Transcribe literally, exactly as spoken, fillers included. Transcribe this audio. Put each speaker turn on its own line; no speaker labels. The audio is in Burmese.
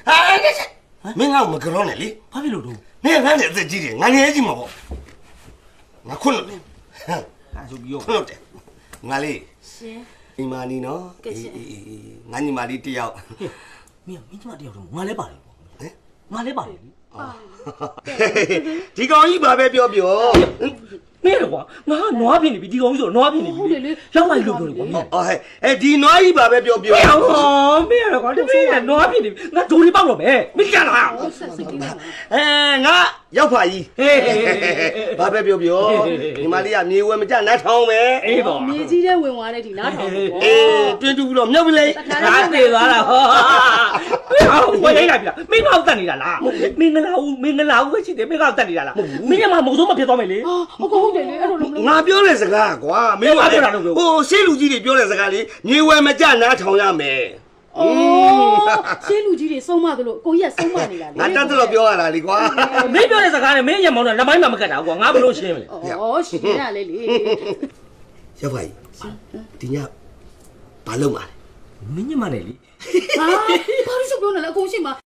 မင်းငါ့ကိုမကြောနဲ့လေဘာဖြစ်လို့တော့နင်ငါနဲ့အသက်ကြီးတယ်ငါငယ်ကြီးမှာပေါ့ငါခွန်းလို့လေဟာဆိုပြီးတော့ခွန်းလို့တယ်ငါလေးရှင်ညီမလေးနော်အေးအေးအေးငါညီမလေးတယောက်မင်းမင်းညီမတယောက်တော့ငါလဲပါတယ်ပေါ့ဟမ်ငါလဲပါတယ်လေဒီကောင်ကြီးဘာပဲပြောပြောမင်းကွာငါနွားပြင်းနေပြီဒီကောင်ကြီးဆိုနွားပြင်းနေပြီလေရောက်လိုက်လို့ပြောတယ်ကွာအော်ဟဲ့အဲဒီနွားကြီးဘာပဲပြောပြောဟောမင်းကွာတမင်းကနွားပြင်းနေပြီငါဒိုးလေးပေါက်တော့မယ်မင်းကြလားအဲငါရောက်ပါကြီးဘာပဲပြောပြောညီမလေးကမြေဝဲမကြနတ်ထောင်းပဲအေးပေါ့
မြေကြီးတဲ့ဝင်သွားတဲ့ဒီနားထောင်ပေါ့
အေးတွင်းတူပြီးတော့မြုပ်ပလေ
ငါနေသွားတာဟောဝယ်လိုက်ပြီလားမင်းကောက်တက်နေတာလားမင်းငလာဦးမင်းငလာဦးပဲရှိတယ်မင်းကောက်တက်နေတာလားမင်းကမှမဟုတ်ဆုံးမဖြစ်သွားမယ်လေ
ဟုတ်ဟုတ်တယ်လေအဲ့လိုလုံး
ငါပြောတဲ့စကားကွာမင်းကဟိုရှေ့လူကြီးတွေပြောတဲ့စကားလေးမြေဝဲမကြနားထောင်ရမယ်
အော်ရှင်းလူကြီးတွေဆုံးမသလိုကိုကြီးကဆုံးမနေတာလေ
ငါတက်တော့ပြောရတာလေကွာ
မင်းပြောတဲ့စကားနဲ့မင်းရမောင်းတော့လက်မိုင်းမှမကတ်တာကွာငါဘလို့ရှင်းမလဲ
အော်ရှင်းရလေလေ
ရောက်ပါကြီးဒီညဘာလုပ်မှာလဲ
မင်းညမနဲ့လေ
ဟာဘာလို့ပြောနေလဲအကုန်ရှိမှာ